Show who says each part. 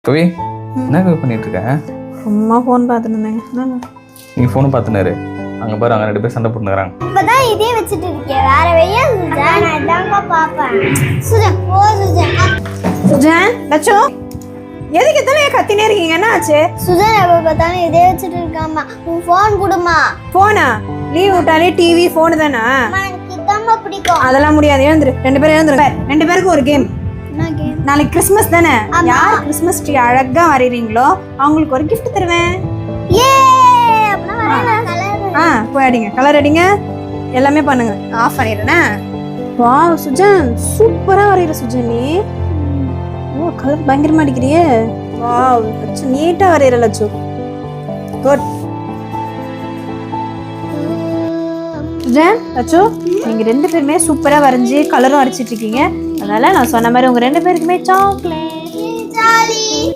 Speaker 1: கவி என்ன கவி பண்ணிட்டு இருக்க?
Speaker 2: சும்மா ஃபோன் பார்த்துட்டு இருந்தேங்க.
Speaker 1: நீ ஃபோனும் பார்த்துனாரு. அங்கே பாரு, அங்கே 2 பேர் சண்டை போட்டுக்கிறாங்க.
Speaker 3: இப்பதான் இதே வச்சுட்டு இருக்கேன். வேற வெய்யா சுஜான், நான் இதாங்க பாப்பேன். சுஜான் போ சுஜான்.
Speaker 2: சுஜான், லட்சோ எதுக்கு இத்தனை கத்தினே இருக்கீங்க? என்ன ஆச்சு?
Speaker 3: சுஜான் எப்ப பார்த்தாலும் இதே வச்சுட்டு இருக்காமா. உன் ஃபோன் கொடுமா.
Speaker 2: ஃபோனா? லீவ் விட்டாலே டிவி ஃபோனு தானா?
Speaker 3: எனக்கு இதாம்மா பிடிக்கும்.
Speaker 2: அதெல்லாம் முடியாது. எழுந்துரு, 2 பேரும் எழுந்துரு. 2 பேருக்கும் ஒரு கேம்.
Speaker 3: என்ன கேம்?
Speaker 2: நாளைக்கு கிறிஸ்மஸ் தானே. யார் கிறிஸ்மஸ் ட்ரீ அழகா வரைறீங்களோ அவங்களுக்கு ஒரு gift தருவேன்.
Speaker 3: ஏ அப்பனா வரேன். கலர்
Speaker 2: போய் அடிங்க, கலர் அடிங்க, எல்லாமே பண்ணுங்க. ஆஃப் பண்ணிடுறேனே. வாவ் சுஜான், சூப்பரா வரைகிற சுஜான் நீ. ஓ, கலர் பயங்கரமா அடிக்கிறியே. வாவ் லட்சு, நீட்டா வரைகிற லட்சு. குட். சுஜான், லட்சு, நீங்க 2 பேருமே சூப்பரா வரைஞ்சி கலரும் அடிச்சிட்டு இருக்கீங்க. அதனால நான் சொன்ன மாதிரி உங்க 2 பேருக்குமே சாக்லேட்.
Speaker 3: ஜாலி